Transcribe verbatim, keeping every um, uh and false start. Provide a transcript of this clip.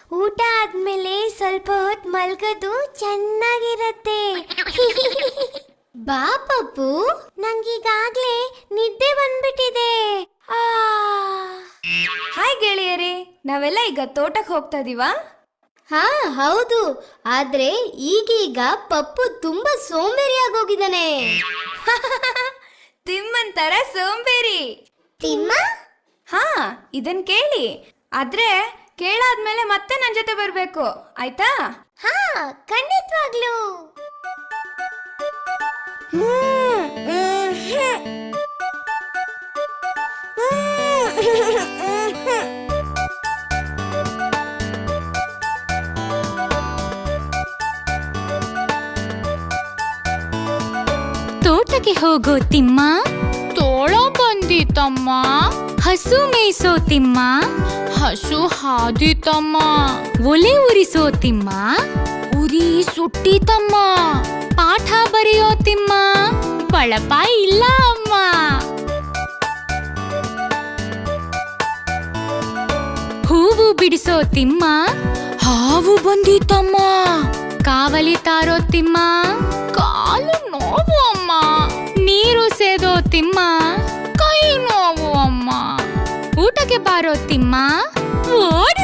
ಊಟ ಆದ್ಮೇಲೆ ಸ್ವಲ್ಪ ಹೊತ್ತು ಮಲ್ಗೋದು ಚೆನ್ನಾಗಿರತ್ತೆ. ಬಾ ಪಪ್ಪು, ನಂಗೀಗಾಗ್ಲೇ ನಿದ್ದೆ ಬಂದ್ಬಿಟ್ಟಿದೆ. ಆ ಹಾಯ್ ಗೆಳೆಯರೇ, ನಾವೆಲ್ಲ ಈಗ ತೋಟಕ್ಕೆ ಹೋಗ್ತಾ ಇದೀವಾ? ಹಾ ಹೌದು, ಆದ್ರೆ ಈಗೀಗ ಪಪ್ಪು ತುಂಬಾ ಸೋಂಬೇರಿ ಆಗೋಗಿದ್ದಾನೆ. ತಿಮ್ಮನ್ ತರ ಸೋಂಬೇರಿ. ತಿಮ್ಮ? ಹಾ, ಇದನ್ ಕೇಳಿ. ಆದ್ರೆ ಕೇಳಾದ್ಮೇಲೆ ಮತ್ತೆ ನನ್ ಜೊತೆ ಬರ್ಬೇಕು, ಆಯ್ತಾ? ಹಾ, ಖಂಡಿತವಾಗ್ಲು. ತೋಟಕ್ಕೆ ಹೋಗೋ ತಿಮ್ಮ, ತೋಳ ಬಂದಿತಮ್ಮ. ಹಸು ಮೇಯಿಸೋ ತಿಮ್ಮ, ಹಸು ಹಾದಿತಮ್ಮ. ಒಲೆ ಉರಿಸೋ ತಿಮ್ಮ, ಉರಿ ಸುಟ್ಟಿತಮ್ಮ. ಪಾಠ ಬರೆಯೋ ತಿಮ್ಮ, ಬಳಪ ಇಲ್ಲ ಅಮ್ಮ. ಹೂವು ಬಿಡಿಸೋ ತಿಮ್ಮ, ಹಾವು ಬಂದಿತಮ್ಮ. ಕಾವಲಿ ತಾರೋ ತಿಮ್ಮ, ಕಾಲು ನೋವು ಅಮ್ಮ. ನೀರು ಸೇದೋ ತಿಮ್ಮ, ಕೈ ನೋವು ಅಮ್ಮ. ಊಟಕ್ಕೆ ಬಾರೋ ತಿಮ್ಮ, ಓಡಿ